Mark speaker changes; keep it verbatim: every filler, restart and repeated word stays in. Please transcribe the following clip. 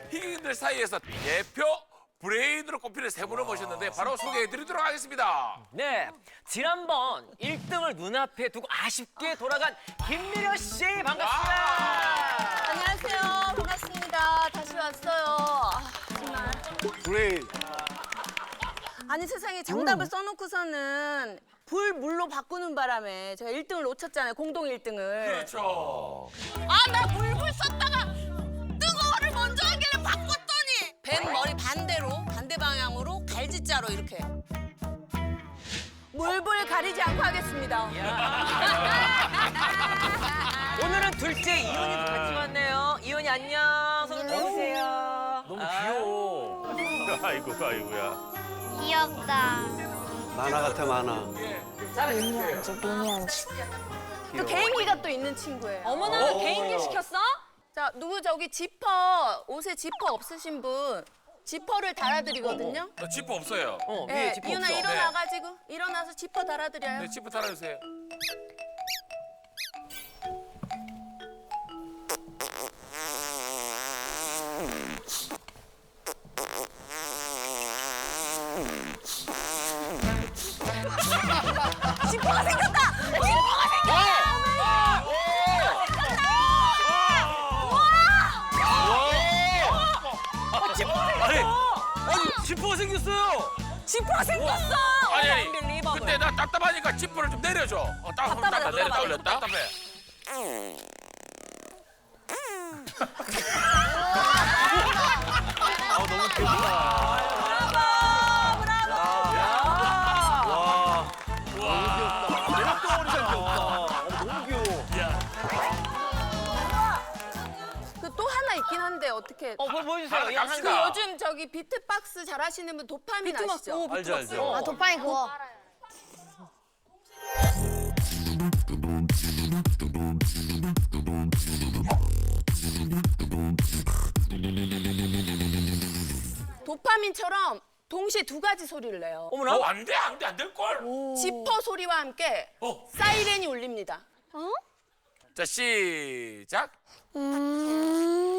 Speaker 1: 희극인들 사이에서 대표 브레인으로 꼽히는 세 분을 모셨는데 바로 소개해드리도록 하겠습니다.
Speaker 2: 네, 지난번 일 등을 눈앞에 두고 아쉽게 돌아간 김미려 씨 반갑습니다.
Speaker 3: 안녕하세요. 반갑습니다. 다시 왔어요. 아, 정말.
Speaker 4: 브레인.
Speaker 3: 아니 세상에 정답을 써놓고서는 불 물로 바꾸는 바람에 제가 일 등을 놓쳤잖아요. 공동 일 등을.
Speaker 1: 그렇죠.
Speaker 3: 아, 나 물불 썼다가 뜨거워를 먼저 하길래 바꿨더니 뱀 머리 반대로 반대 방향으로 갈지자로 이렇게. 물불 가리지 않고 하겠습니다.
Speaker 2: 오늘은 둘째 이혼이도 같이 왔네요. 이혼이 안녕. 손 들어주세요.
Speaker 4: 너무 귀여워.
Speaker 5: 아이고 아이고야.
Speaker 6: 귀엽다.
Speaker 4: 만화 같아, 만화.
Speaker 6: 미니언즈, 미니언즈.
Speaker 3: 또 개인기가 또 있는 친구예요.
Speaker 2: 어머나, 개인기 시켰어?
Speaker 3: 자, 누구 저기 지퍼 옷에 지퍼 없으신 분 지퍼를 달아드리거든요.
Speaker 1: 나 지퍼 없어요.
Speaker 2: 어, 위에
Speaker 3: 네,
Speaker 2: 지퍼
Speaker 3: 이윤아
Speaker 2: 없어.
Speaker 3: 일어나가지고 일어나서 지퍼 달아드려요.
Speaker 1: 네, 지퍼 달아주세요.
Speaker 3: 지퍼가 생겼다. 지퍼가
Speaker 2: 아니, 아니, 지퍼가 생겼어요.
Speaker 3: 지퍼가 생겼어.
Speaker 1: 아니, 아니.
Speaker 3: 언빌리버블.
Speaker 1: 근데 나 답답하니까 지퍼를 좀 내려줘. 어, 딱,
Speaker 3: 답답하다,
Speaker 1: 딱 내렸다
Speaker 3: 답답하다.
Speaker 1: 올렸다. 답답해.
Speaker 4: 아, 너무 귀엽다.
Speaker 3: 브라보, 브라보.
Speaker 4: 와. 너무 귀엽다. 매력덩어리 잘 귀엽다. 어, 너무 귀여워.
Speaker 3: 그 또 하나 있긴 한데 어떻게?
Speaker 2: 어, 뭐 보여주세요.
Speaker 1: 하나
Speaker 2: 양 한
Speaker 1: 갑시다.
Speaker 3: 그
Speaker 2: 가.
Speaker 3: 요즘 저기 비트박스 잘하시는 분 도파민 아시죠?
Speaker 4: 알죠, 알죠.
Speaker 3: 어,
Speaker 6: 아, 도파민 그거.
Speaker 3: 도파민처럼 동시에 두 가지 소리를 내요.
Speaker 2: 어머나.
Speaker 1: 어, 안 돼, 안 돼, 안 될걸?
Speaker 3: 지퍼 소리와 함께
Speaker 1: 어.
Speaker 3: 사이렌이 울립니다.
Speaker 1: 자, 시작.
Speaker 6: 음.